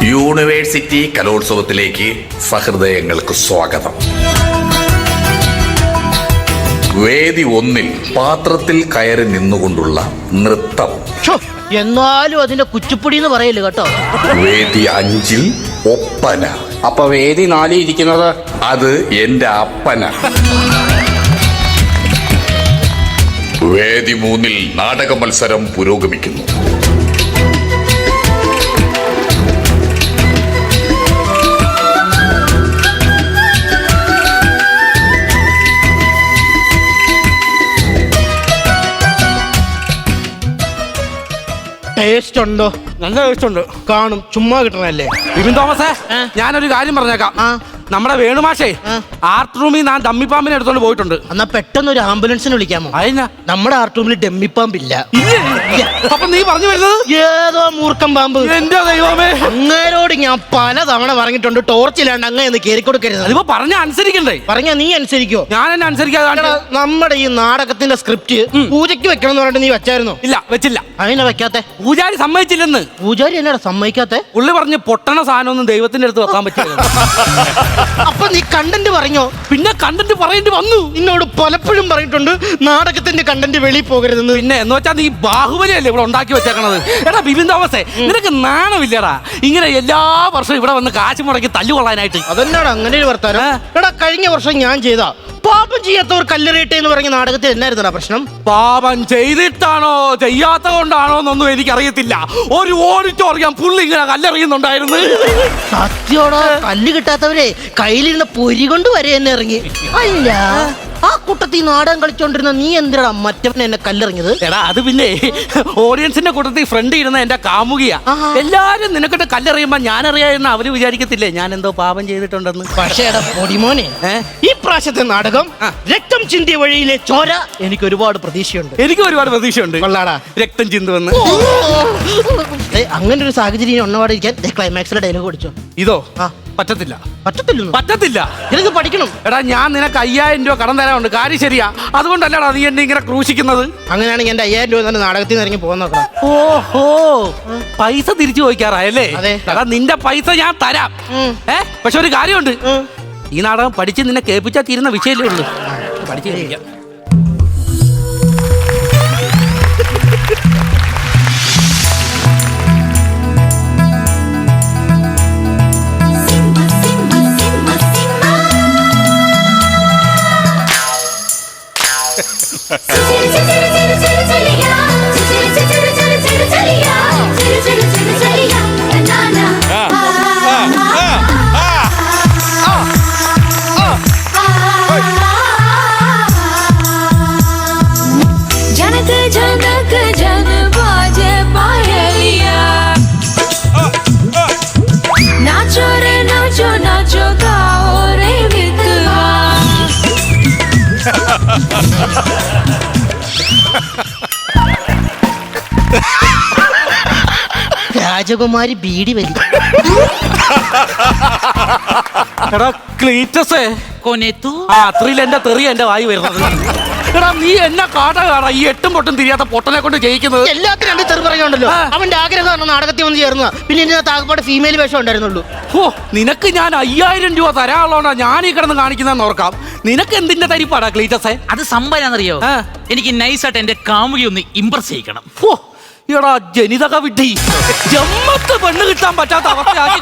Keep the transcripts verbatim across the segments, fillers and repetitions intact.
University കലോത്സവത്തിലേക്ക് സഹൃദയങ്ങൾക്ക് സ്വാഗതം. വേദി ഒന്നിൽ പാത്രത്തിൽ കയറി നിന്നുകൊണ്ടുള്ള നൃത്തം. എന്നാലും അതിന്റെ കുച്ചിപ്പുടി എന്ന് പറയല് കേട്ടോ. വേദി അഞ്ചിൽ ഒപ്പന. അപ്പൊ വേദി നാലിൽ ഇരിക്കുന്നത് അത് എന്റെ അപ്പന. വേദി മൂന്നിൽ നാടക മത്സരം പുരോഗമിക്കുന്നു. ടേസ്റ്റ് ഉണ്ടോ? നല്ല ടേസ്റ്റ് ഉണ്ട്. കാണും, ചുമ്മാ കിട്ടണല്ലേ. ബിബിൻ തോമസേ, ഞാനൊരു കാര്യം പറഞ്ഞേക്കാം. നമ്മുടെ വേണുമാഷേ ആർട്ട് റൂമിൽ ഞാൻ ഡമ്മിപ്പാമ്പിനെ എടുത്തോണ്ട് പോയിട്ടുണ്ട്. എന്നാ പെട്ടെന്ന് ഒരു ആംബുലൻസിന് വിളിക്കാമോ? അതിനാ നമ്മുടെ ആർട്ട് റൂമിൽ ഡെമ്മിപ്പാമ്പില്ല. അപ്പൊ നീ പറഞ്ഞു വരുന്നത് ഏതോ മൂർഖം പാമ്പ്. എന്റെ ദൈവമേ, അങ്ങേരോട് ഞാൻ പല തവണ പറഞ്ഞിട്ടുണ്ട് ടോർച്ചിലാണ്ട് അങ്ങ് എന്ന് കയറി കൊടുക്കരുത്. അതിപ്പോ പറഞ്ഞ അനുസരിക്കണ്ടേ? പറഞ്ഞ നീ അനുസരിക്കോ? ഞാൻ എന്നെ അനുസരിക്കാതെ. നമ്മുടെ ഈ നാടകത്തിന്റെ സ്ക്രിപ്റ്റ് പൂജയ്ക്ക് വെക്കണം എന്ന് പറഞ്ഞിട്ട് നീ വെച്ചായിരുന്നോ? ഇല്ല, വെച്ചില്ല. അതിനെ വെക്കാത്തെ? പൂജാരി സമ്മതിച്ചില്ലെന്ന്. പൂജാരി എന്നാടാ സമ്മതിക്കാത്തെ? പുള്ളി പറഞ്ഞ് പൊട്ടണ സാധനമൊന്നും ദൈവത്തിന്റെ അടുത്ത് വെക്കാൻ പറ്റില്ല. അപ്പൊ നീ കണ്ടന്റ് പറഞ്ഞോ? പിന്നെ കണ്ടന്റ് പറയേണ്ടി വന്നു. നിന്നോട് പലപ്പോഴും പറഞ്ഞിട്ടുണ്ട് നാടകത്തിന്റെ കണ്ടന്റ് വെളിയിൽ പോകരുതെന്ന്. പിന്നെ എന്ന് വെച്ചാൽ നീ ബാഹുബലിയല്ലേ ഇവിടെ ഉണ്ടാക്കി വെച്ചേക്കണത്. എടാ ബിബിൻ തോമസേ, നിനക്ക് നാണമില്ലടാ ഇങ്ങനെ എല്ലാ വർഷവും ഇവിടെ വന്ന് കാശ് മുടക്കി തല്ലുകൊള്ളാനായിട്ട്? അതെന്നാണ് അങ്ങനെ ഒരു വർത്താനം? എടാ കഴിഞ്ഞ വർഷം ഞാൻ ചെയ്ത പാപം ചെയ്യാത്തവർ കല്ലെറിയട്ടെ എന്ന് പറഞ്ഞ നാടകത്തിൽ എന്നായിരുന്നടാ പ്രശ്നം? പാപം ചെയ്തിട്ടാണോ ചെയ്യാത്ത കൊണ്ടാണോ എന്നൊന്നും എനിക്കറിയത്തില്ല. ഒരു ഓഡിറ്റോറിയം പുള്ളി ഇങ്ങനെ കല്ലെറിയുന്നുണ്ടായിരുന്നു. സത്യോടാ, കല്ല് കിട്ടാത്തവരെ കയ്യിലിരുന്ന പൊരി കൊണ്ട് വരെ എന്നെ ഇറങ്ങി. അല്ല, ആ കൂട്ടത്തിൽ നാടകം കളിച്ചോണ്ടിരുന്ന നീ എന്തിനാ മറ്റവൻ എന്നെ കല്ലെറിഞ്ഞത്? എടാ അത് പിന്നെ ഓഡിയൻസിന്റെ കൂട്ടത്തിൽ ഫ്രണ്ട് ഇരുന്ന എന്റെ കാമുകിയാ. എല്ലാരും നിനക്കിട്ട് കല്ലെറിയുമ്പോ ഞാൻ അറിയാമെന്ന് അവര് വിചാരിക്കത്തില്ലേ ഞാൻ എന്തോ പാപം ചെയ്തിട്ടുണ്ടെന്ന്. പക്ഷേ എടാ പൊടിമോനെ, ഈ പ്രാവശ്യത്തെ നാടകം രക്തം ചിന്തിയ വഴിയിലെ ചോര എനിക്ക് ഒരുപാട് പ്രതീക്ഷയുണ്ട്. എനിക്ക് ഒരുപാട് പ്രതീക്ഷയുണ്ട്. കൊള്ളാടാ, രക്തം ചിന്തുവെന്ന്. അങ്ങനെ ഒരു സാഹചര്യം ഒന്നപാടിരിക്കാൻ ക്ലൈമാക്സിലെ ഡയലോഗ് പഠിച്ചോ? ഇതോ പറ്റത്തില്ല, പറ്റത്തില്ല, പറ്റത്തില്ല. എനിക്ക് പഠിക്കണം. എടാ ഞാൻ നിനക്ക് അയ്യായിരം രൂപ കടം തരാനുണ്ട്. കാര്യം ശരിയാ, അതുകൊണ്ടല്ലടാ നീ എന്നെ ഇങ്ങനെ ക്രൂശിക്കുന്നത്. അങ്ങനെയാണെങ്കിൽ എന്റെ അയ്യായിരം രൂപ തന്നെ നാടകത്തിൽ നിന്ന് ഇറങ്ങി പോകാൻ നോക്കണം. ഓഹോ, പൈസ തിരിച്ചു ചോദിക്കാറായല്ലേ? അതെ. എടാ നിന്റെ പൈസ ഞാൻ തരാം. ഏ പക്ഷെ ഒരു കാര്യമുണ്ട്, ഈ നാടകം പഠിച്ച് നിന്നെ കേൾപ്പിച്ചാൽ തീരുന്ന വിഷയമല്ലേ ഉള്ളൂ. പഠിച്ചു കഴിക്കാം. രാജകുമാരി ബീഡി വലി. എടാ ക്ലീറ്റസേ, ആ അത്രയിൽ എന്റെ തെറി എന്റെ വായി വരുന്നത്. എടാ നീ എന്നെ കാട്ട കാണാ ഈ എട്ടും പൊട്ടും തിരിയാത്ത പൊട്ടനെ കൊണ്ട് ജയിക്കുന്നത്. എല്ലാത്തിനും രണ്ട് തെറി പറയുണ്ടല്ലോ. അവന്റെ ആഗ്രഹമാണ് നാടകത്തിൽ വന്ന് ചേർന്ന. പിന്നെ ഇതിനകത്ത് ആകപ്പാട് ഫീമെയിൽ വേഷം ഉണ്ടായിരുന്നുള്ളൂ. ഓ, നിനക്ക് ഞാൻ അയ്യായിരം രൂപ തരാനുള്ളതാ ഞാൻ ഈ കിടന്ന് കാണിക്കുന്നതെന്ന് ഓർക്കാം. നിനക്ക് എന്തിന്റെ തരിപ്പാടാ ക്ലീറ്റസേ? അത് സംഭവം എനിക്ക് നൈസായിട്ട് എന്റെ കാമുകി ഒന്ന് ഇംപ്രസ് ചെയ്യിക്കണം. ഓ എടാ ജനിതക വിഡ്ഢി, ജമ്മത്ത് പെണ്ണ് കിട്ടാൻ പറ്റാത്ത അവസ്ഥയാക്കി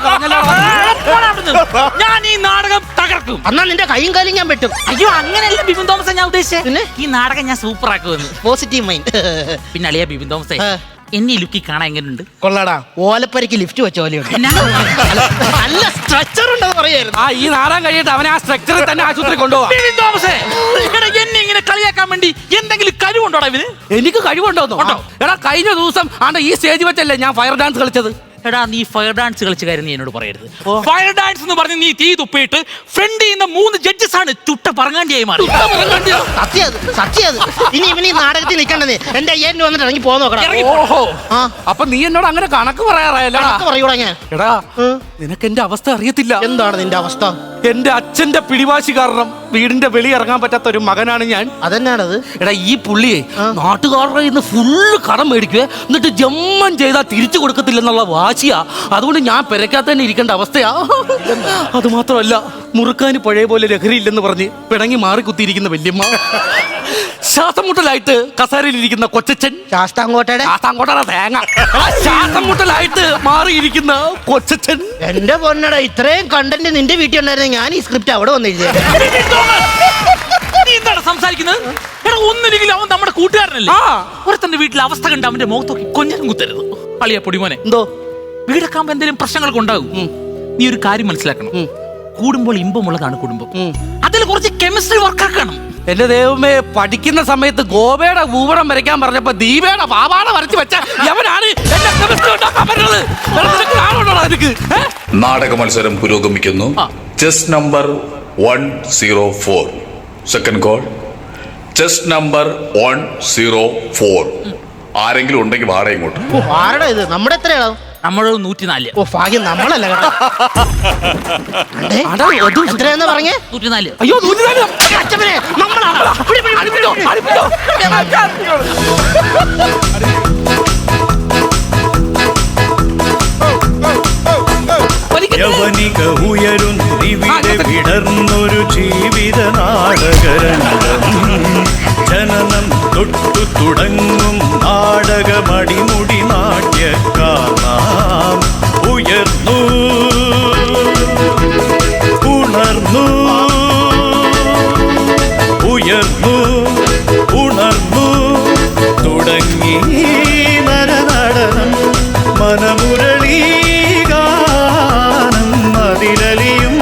ഞാൻ ഈ നാടകം തകർക്കും. എന്നാ നിന്റെ കൈയും കാലും ഞാൻ പറ്റും. അയ്യോ അങ്ങനെയല്ല ബിബിൻ തോമസ് ഞാൻ ഉദ്ദേശിച്ചത്. പിന്നെ ഈ നാടകം ഞാൻ സൂപ്പർ ആക്കുമെന്ന്. Positive mind. പിന്നെ അളിയാ ബിബിൻ തോമസേ, എന്നെ ലുക്കി കാണാൻ എങ്ങനെയുണ്ട്? കൊള്ളാടാ, ഓലപ്പരക്ക് ലിഫ്റ്റ് വെച്ച പോലെയുണ്ട്. നല്ല സ്ട്രക്ചർ ഉണ്ടെന്ന് പറയായിരുന്നു. ആ ഈ നാടകം കഴിയിട്ട് അവനെ ആ സ്ട്രക്ചറിൽ തന്നെ ആശുപത്രി കൊണ്ടുപോകാം. ബിബിൻ തോമസേ, എന്നെ ഇങ്ങനെ കളിയാക്കാൻ വേണ്ടി എന്തെങ്കിലും കഴിവുണ്ടോടാ ഇവന്? എനിക്ക് കഴിവുണ്ടോന്നോ? എടാ കഴിഞ്ഞ ദിവസം ആണ്ട് ഈ സ്റ്റേജ് വെച്ചല്ലേ ഞാൻ ഫയർ ഡാൻസ് കളിച്ചത്. എടാ നീ ഫയർ ഡാൻസ് കളിച്ച കാര്യം നീ എന്നോട് പറയരുത്. ഫയർ ഡാൻസ് എന്ന് പറഞ്ഞ് നീ തീ തുപ്പിയിട്ട് ഫ്രണ്ട് ചെയ്യുന്ന മൂന്ന് ജഡ്ജസ് ആണ് ചുട്ട പറങ്ങാണ്ടിയായി മാറി. സത്യത് സത്യത്. ഇനി ഇവന് ഈ നാടകത്തിൽ നിൽക്കണ്ടേ? എന്റെ അയ്യായിരം വന്നിട്ട് ഇറങ്ങി പോകാൻ നോക്കണം. ഓഹോ, അപ്പൊ നീ എന്നോട് അങ്ങനെ കണക്ക് പറയാറായല്ലോ. പറയൂടാ ഞാൻ. എടാ നിനക്ക് എന്റെ അവസ്ഥ അറിയത്തില്ല. എന്താണ് നിന്റെ അവസ്ഥ? എന്റെ അച്ഛന്റെ പിടിവാശി കാരണം വീടിന്റെ വെളി ഇറങ്ങാൻ പറ്റാത്ത ഒരു മകനാണ് ഞാൻ. അതെന്നാണത്? എടാ ഈ പുള്ളിയെ നാട്ടുകാരുടെ ഇന്ന് ഫുള്ള് കടം മേടിക്കുക, എന്നിട്ട് ജമ്മം ചെയ്താൽ തിരിച്ചു കൊടുക്കത്തില്ലെന്നുള്ള വാശിയാ. അതുകൊണ്ട് ഞാൻ പെരക്കാത്ത തന്നെ ഇരിക്കേണ്ട അവസ്ഥയാ. അത് മാത്രമല്ല, മുറുക്കാന് പഴയ പോലെ ലഹരി ഇല്ലെന്ന് പറഞ്ഞ് പിണങ്ങി മാറി കുത്തിയിരിക്കുന്ന വല്യമ്മ, ശ്വാസം മുട്ടലായിട്ട് കസേരയിലിരിക്കുന്ന കൊച്ചച്ഛൻ, ശാസ്താങ്കോട്ടയുടെ ശാസ്താങ്കോട്ടയുടെ തേങ്ങ, ശ്വാസം മുട്ടലായിട്ട് മാറിയിരിക്കുന്ന കൊച്ചച്ഛൻ. എന്റെ പൊന്നട, ഇത്രയും കണ്ടന്റ് നിന്റെ വീട്ടിൽ ഉണ്ടായിരുന്ന ഞാൻ ഈ സ്ക്രിപ്റ്റ് അവിടെ വന്നില്ലേ? നീ എന്താണ് സംസാരിക്കുന്നത്? എടാ ഒന്നില്ലെങ്കിലും അവൻ നമ്മുടെ കൂട്ടുകാരനല്ലേ? ആ. ഒരുത്തന്റെ വീട്ടിലെ അവസ്ഥ കണ്ട് അവന്റെ മുഖത്ത് നോക്കി കൊഞ്ഞനും കുത്തരുത്. അളിയ പൊടിമോനെ, എന്തോ വീടൊക്കെ ആകുമ്പോ എന്തെങ്കിലും പ്രശ്നങ്ങളൊക്കെ ഉണ്ടാകും. നീ ഒരു കാര്യം മനസ്സിലാക്കണം. കൂടുമ്പോൾ ഇമ്പമുള്ളതാണ് കുടുംബം. അതിൽ കുറച്ച് കെമിസ്ട്രി വർക്കാക്കണം. എന്റെ ദൈവമേ, പഠിക്കുന്ന സമയത്ത് ഗോപയുടെ ഊവടം വരയ്ക്കാൻ പറഞ്ഞപ്പോ ദീപയുടെ പാവാട വരച്ച് വെച്ച യവനാണ് എന്നെ chemistry ഉണ്ടാക്കാൻ പറഞ്ഞത്. നിനക്ക് നാണമുണ്ടോടാ നിനക്ക്? ഏ? നാടക മത്സരം പുരോഗമിക്കുന്നു. Chest number one zero four. Second call. Chest number one zero four. ആരെങ്കിലും ഉണ്ടെങ്കിൽ വാടക ഇങ്ങോട്ട്. ഓ, ആരുടെ ഇത്? നമ്മുടെ എത്രയാണോ? നമ്മള് നൂറ്റിനാല്. ഓ ഭാഗ്യം, നമ്മളല്ല കേട്ടോ. അണ്ടേ, അടാ, അത് എത്രയാന്ന് പറഞ്ഞേ? നൂറ്റിനാല്. അയ്യോ നൂറ്റിനാല്. അച്ഛനെ, നമ്മളാണ്. പിടി, പിടി, പിടി, പിടി, പിടി. അടിപ്പിച്ചോ. യവനിക ഉയരുന്നിവിടെ വിടർന്നൊരു ജീവിത നാടകരംഗം. ജനനം തൊട്ടു തുടങ്ങും നാടകമടിമുടി നാട്യക്കാർ ഉയർന്നു ഉണർന്നു ഉയർന്നു ഉണർന്നു തുടങ്ങി നരനടനം മനമുരളി അതിലലിയും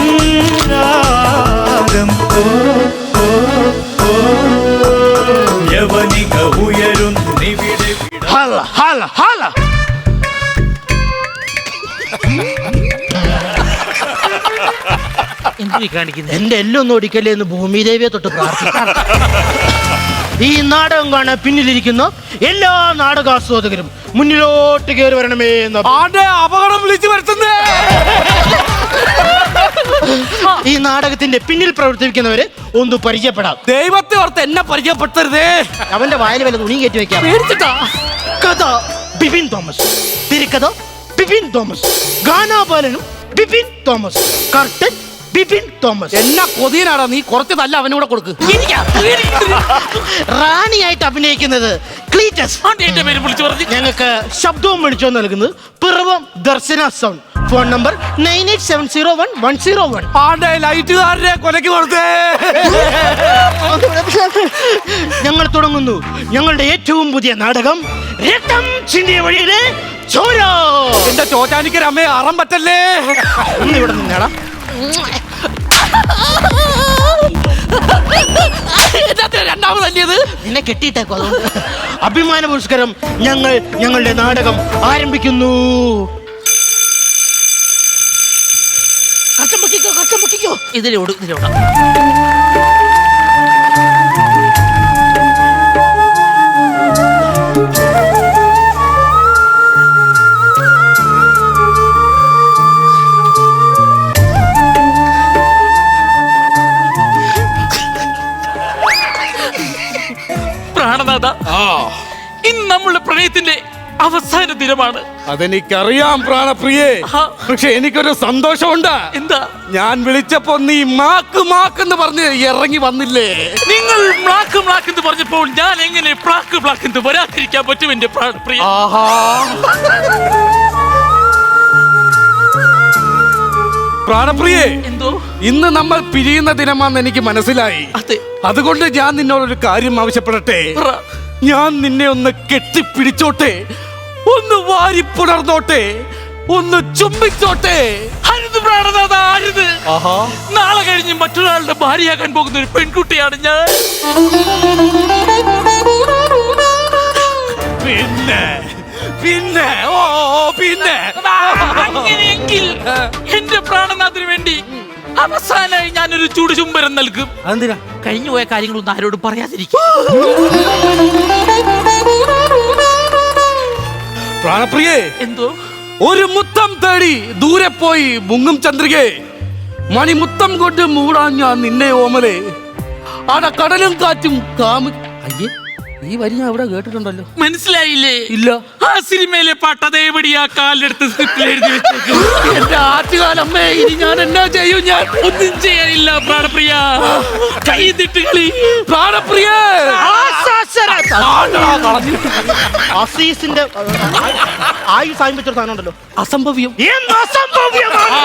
രാഗം. ഓ ഓ ഓ യവനിക ഉയരുന്നിവിടെ ഹല, ഹല, ഹല. എന്ത് കാണിക്കുന്നത്? എന്റെ എല്ലൊന്നും ഒടിക്കല്ലേ എന്ന് ഭൂമിദേവിയെ തൊട്ട് പ്രാർത്ഥിക്കാം. ഈ നാടകം കാണാൻ പിന്നിലിരിക്കുന്ന എല്ലാ നാടകാസ്വാദകരും മുന്നിലോട്ട് കയറി വരണമേ എന്ന് ആന്റെ അപകടം വിളിച്ചു വരുത്തുന്നേ. ഈ നാടകത്തിന്റെ പിന്നിൽ പ്രവർത്തിക്കുന്നവരെ ഒന്ന് പരിചയപ്പെടാം. ദൈവത്തെ ഓർത്ത് എന്നെ പരിചയപ്പെടുത്തരുതേ. അവന്റെ വായിൽ വല്ല തുണി കയറ്റി വെക്കാം. പേടിച്ചിട്ടാ. കഥ ബിപിൻ തോമസ്, തിരക്കഥ ബിപിൻ തോമസ്, ഗാനാപാലനും Bipin Thomas, curtain Bipin Thomas. എന്നാ കൊതിയനാടാ നീ? കുറച്ച് നല്ല അവനൂടെ കൊടുക്ക്. റാണിയായിട്ട് അഭിനയിക്കുന്നത് ക്ലീറ്റസ്. എന്റെ പേര് വിളിച്ചു പറഞ്ഞു. ഞങ്ങൾക്ക് ശബ്ദവും വിളിച്ചോ നൽകുന്നത് Piravom Darshana sound. Phone number nine eight seven zero one one zero one. ആണ്ടെ ലൈറ്റുകാരനെ കൊലക്ക് കൊടുത്തേ. ഞങ്ങൾ തുടങ്ങുന്നു ഞങ്ങളുടെ ഏറ്റവും പുതിയ നാടകം രക്തം ചിന്തിയ വഴിയിലെ ചോര. എന്റെ ചോറ്റാനിക്ക് അമ്മേ അറം പറ്റല്ലേ. ഒന്ന് ഇവിടെ നിന്നേടാ. രണ്ടാമതല്ലേത് നിന്നെ കെട്ടിയിട്ടേക്കോ. അതുകൊണ്ട് അഭിമാന പുരസ്കാരം ഞങ്ങൾ ഞങ്ങളുടെ നാടകം ആരംഭിക്കുന്നു. കച്ചം പൊക്കിക്കോ, കച്ചം പൊക്കിക്കോ. ഇതിലോട് ഇതിലോടാ. പ്രാണനാഥ, ഇന്ന് നമ്മളുടെ പ്രണയത്തിന്റെ അവസാന ദിനമാണ്. അതെനിക്കറിയാം പ്രാണപ്രിയേ. പക്ഷെ എനിക്കൊരു സന്തോഷമുണ്ട്. എന്താ? ഞാൻ വിളിച്ചപ്പോ നീ മാക്ക് മാക്കെന്ന് പറഞ്ഞ് ഇറങ്ങി വന്നില്ലേ? നിങ്ങൾ ബ്ലാക്ക് ബ്ലാക്ക് എന്ന് പറഞ്ഞപ്പോൾ ഞാൻ എങ്ങനെ ബ്ലാക്ക് ബ്ലാക്ക് എന്ന് വരാതിരിക്കാൻ പറ്റും എന്റെ പ്രാണപ്രിയ? ആഹാ, പ്രാണപ്രിയേ, എന്തോ? ഇന്ന് നമ്മൾ പിരിയുന്ന ദിനമാണെന്ന് എനിക്ക് മനസ്സിലായി. അതെ. അതുകൊണ്ട് ഞാൻ നിന്നോടൊരു കാര്യം ആവശ്യപ്പെടട്ടെ. പറ. ഞാൻ നിന്നെ ഒന്ന് കെട്ടിപ്പിടിച്ചോട്ടെ, ഒന്ന് വാരിപ്പുണർന്നോട്ടെ, ഒന്ന് ചുംബിച്ചോട്ടെ. അരുത് പ്രാണനാഥ, അരുത്. നാളെ കഴിഞ്ഞ് മറ്റൊരാളുടെ ഭാര്യയാകാൻ പോകുന്ന ഒരു പെൺകുട്ടിയാണ് ഞാൻ. പിന്നെ പിന്നെ ഓ പിന്നെ അങ്ങനെയെങ്കിൽ എന്റെ പ്രാണനാഥിന് വേണ്ടി അവസാനമായി ഞാനൊരു ചുടുചുംബരം നൽകും. അതെന്തിനാ? കഴിഞ്ഞു പോയ കാര്യങ്ങളൊന്നും ആരോടും പറയാതിരിക്കും. പ്രാണപ്രിയേ, എന്തോ? ഒരു മുത്തം തേടി ദൂരെ പോയി മുങ്ങും ചന്ദ്രികെ, മണിമുത്തം കൊണ്ട് മൂടാൻ ഞാൻ നിന്നെ ഓമലെ, ആട കടലും കാറ്റും കാമി. അയ്യേ, ഈ വരി ഞാൻ ഇവിടെ കേട്ടിട്ടുണ്ടല്ലോ. മനസ്സിലായില്ലേ? ഇല്ല. ആ സിനിമയിലെ പാട്ട് അതേപടി ആ കാലിലെടുത്ത് സ്ക്രിപ്റ്റിൽ എഴുതി വെച്ചേക്കും. എന്റെ ആറ്റുകാലമ്മേ, ഇനി ഞാൻ എന്നാ ചെയ്യും? ഞാൻ ഒന്നും ചെയ്യാനില്ല പ്രാണപ്രിയ. കൈതിട്ട് കളി പ്രാണപ്രിയ. അസീസിന്റെ ആയു സായം വെച്ചൊരു സാധനം ഉണ്ടല്ലോ, അസംഭവ്യം. എന്ത് അസംഭവ്യമാണ്?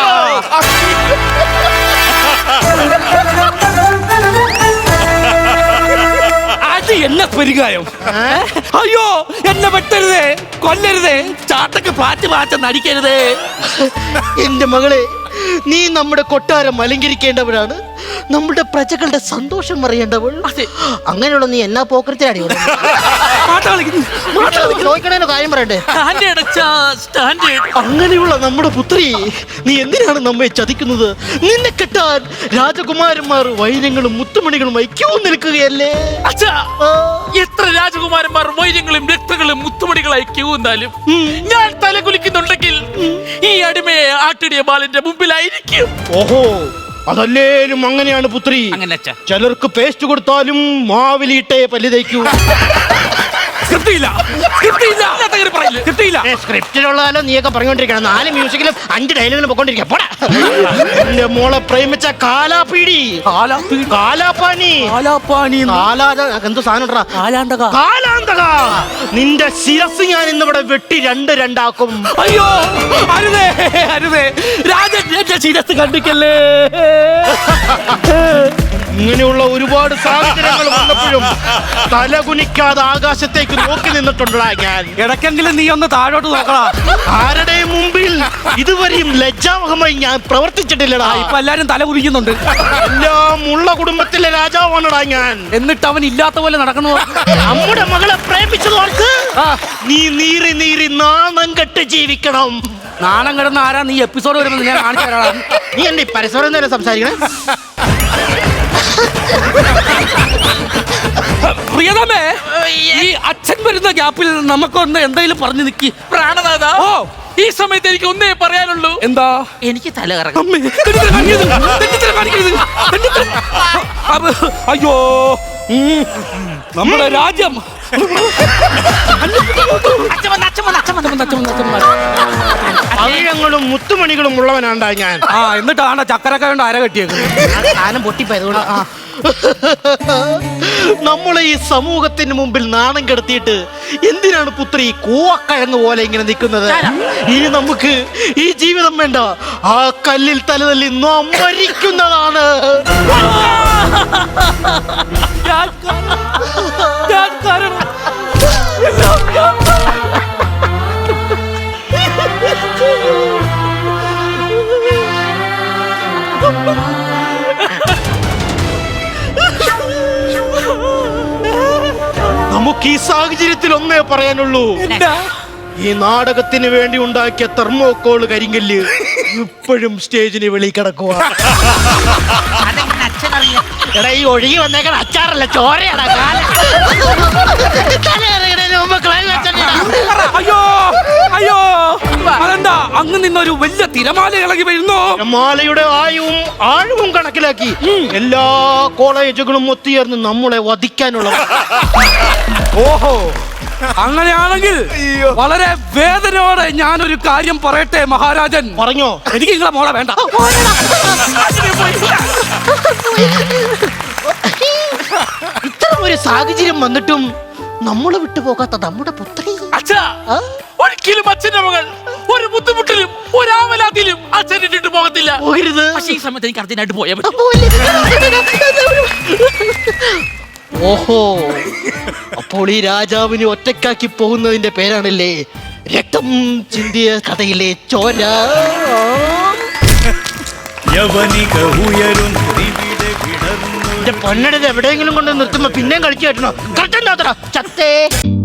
അത് എന്നെ പെരുകായം. അയ്യോ, എന്നെ വെട്ടരുതേ, കൊല്ലരുതേ, ചാട്ടക്ക് പാറ്റ് പാറ്റ നടിക്കരുതേ. എന്റെ മകളെ, നീ നമ്മുടെ കൊട്ടാരം അലങ്കരിക്കേണ്ടവരാണ്, നമ്മുടെ പ്രജകളുടെ സന്തോഷം അറിയേണ്ടവൾ. അങ്ങനെയുള്ള നീ എന്നാ പോക്കരത്തിലാടി ചോദിക്കണേനോ കാര്യം പറയണ്ടേ? അങ്ങനെയുള്ള നമ്മുടെ പുത്രി നീ എന്തിനാണ് നമ്മെ ചതിക്കുന്നത്? നിന്നെ കെട്ടാൻ രാജകുമാരന്മാർ വൈരങ്ങളും മുത്തുമണികളും ഐക്യൂ നിൽക്കുകയല്ലേ? എത്ര രാജകുമാരന്മാർ വൈര്യങ്ങളും രക്തങ്ങളും മുത്തുമണികളായി ക്യൂ എന്നാലും ഞാൻ തല കുലിക്കുന്നുണ്ടെങ്കിൽ ഈ അടിമയെ ആട്ടിടിയ ബാലന്റെ മുമ്പിലായിരിക്കും. ഓഹോ, അതല്ലേലും അങ്ങനെയാണ് പുത്രി. അങ്ങനെ ചിലർക്ക് പേസ്റ്റ് കൊടുത്താലും മാവിലിട്ടേ പല്ലി തയ്ക്കൂ. സ്ക്രിപ്റ്റിലുള്ളതല്ലോ നീയൊക്കെ പറഞ്ഞോണ്ടിരിക്കണം. നാല് മ്യൂസിക്കിലും അഞ്ച് ഡയലോഗിലും പൊക്കോണ്ടിരിക്കുക. പോടാ, എന്റെ മോളെ പ്രേമിച്ച കാലാപീടി, കാലാപ്പാനി, എന്തോ സാധനം കാലാന്തക, നിന്റെ ശിരസ് ഞാൻ ഇന്നിവിടെ വെട്ടി രണ്ട് രണ്ടാക്കും. അയ്യോ, അരുതേ അരുതേ, രാജൻ എന്റെ ശിരസ് കണ്ടിക്കല്ലേ. ഇങ്ങനെയുള്ള ഒരുപാട് സാഹചര്യങ്ങൾ വന്നപ്പോഴും തലകുനിക്കാതെ ആകാശത്തേക്ക് നോക്കി നിന്നിട്ടുണ്ടാ ഞാൻ. ഇടയ്ക്കെങ്കിലും നീ ഒന്ന് താഴോട്ട് നോക്കടാ. ആരുടെയും മുമ്പിൽ ഇതുവരെയും ലജ്ജാവഹമായി ഞാൻ പ്രവർത്തിച്ചിട്ടില്ലടാ. ഇപ്പൊ എല്ലാരും തല കുനിക്കുന്നുണ്ട്. എല്ലാം ഉള്ള കുടുംബത്തിലെ രാജാവാണടാ ഞാൻ. എന്നിട്ട് അവൻ ഇല്ലാത്ത പോലെ നടക്കണോ? നമ്മുടെ മകളെ പ്രേമിച്ചതോർക്ക് നീ നീറി നീറി നാണം കെട്ട് ജീവിക്കണം. നാണം കിടന്ന ആരാ? നീ എപ്പിസോഡ് വരുമ്പോൾ ഞാൻ കാണിച്ചു തരാം. നീ എന്റെ പരസ്പരം നേരെ സംസാരിക്കണേ. പ്രിയതമേ, ഈ അച്ഛൻ വരുന്ന ഗ്യാപ്പിൽ നമുക്കൊന്ന് എന്തെങ്കിലും പറഞ്ഞു നിക്കി. പ്രാണനാഥ, ഓ ഈ സമയത്ത് എനിക്ക് ഒന്നേ പറയാനുള്ളൂ. എന്താ? എനിക്ക് തല കറങ്ങും. അയ്യോ, നമ്മുടെ രാജ്യം പവിഴങ്ങളും മുത്തുമണികളും ഉള്ളവനാണ്ടാ ഞാൻ. ആ, എന്നിട്ടാണ് ചക്കരക്ക കൊണ്ട് അര കെട്ടിയേക്കുന്നത്. സാധനം പൊട്ടിപ്പോയതുകൊണ്ട്. നമ്മളെ ഈ സമൂഹത്തിന് മുമ്പിൽ നാണം കെടുത്തിയിട്ട് എന്തിനാണ് പുത്രി കൂവക്കഴങ്ങ് പോലെ ഇങ്ങനെ നിൽക്കുന്നത്? ഇനി നമുക്ക് ഈ ജീവിതം വേണ്ട, ആ കല്ലിൽ തലതല്ലി നാം മരിക്കുന്നതാണ്. നമുക്ക് ഈ സാഹചര്യത്തിൽ ഒന്നേ പറയാനുള്ളൂ. ഈ നാടകത്തിന് വേണ്ടി ഉണ്ടാക്കിയ തെർമോക്കോള് കരിങ്കല്ല് ഇപ്പോഴും സ്റ്റേജിന് വെളി കിടക്കുക. എടാ, ഈ ഒഴുകി വന്നേക്കാൻ അച്ചാറല്ല, ചോരയാടാ. അയ്യോ അയ്യോ, അതെന്താ അങ്ങ് നിന്നൊരു വലിയ തിരമാല ഇളകി വരുന്നു? തിരമാലയുടെ ആയവും ആഴവും കണക്കിലാക്കി എല്ലാ കോളേജുകളും ഒത്തുചേർന്ന് നമ്മളെ വധിക്കാനുള്ള. ഓഹോ, അങ്ങനെയാണെങ്കിൽ വളരെ വേദനയോടെ ഞാനൊരു കാര്യം പറയട്ടെ മഹാരാജൻ. പറഞ്ഞോ. എനിക്ക് നിങ്ങളെ മോളെ വേണ്ട. ഇത്തരം ഒരു സാഹചര്യം വന്നിട്ടും നമ്മളെ വിട്ടുപോകാത്ത നമ്മുടെ പുത്രി. അച്ഛാ, ഒരിക്കലും അച്ഛന്റെ മകൾ ഒരു ബുദ്ധിമുട്ടിലും ഒരാവലാതിലും അച്ഛൻ ഇട്ടിട്ട് പോകത്തില്ല. പോകരുത്. പക്ഷേ ഈ സമയത്ത് എനിക്ക് അർജന്റായിട്ട് പോയാൽ പറ്റും. ഓഹോ, അപ്പോൾ ഈ രാജാവിനെ ഒറ്റക്കാക്കി പോകുന്നതിന്റെ പേരാണല്ലേ രക്തം ചിന്തിയ കഥയിലെ ചോര. യവനിക ഉയരും ഇവിടെ വിടർന്നു. പൊന്നടത് എവിടെയെങ്കിലും കൊണ്ട് നിർത്തുമ്പോ പിന്നെയും കളിച്ചു കേട്ടണോ? ചത്തേ.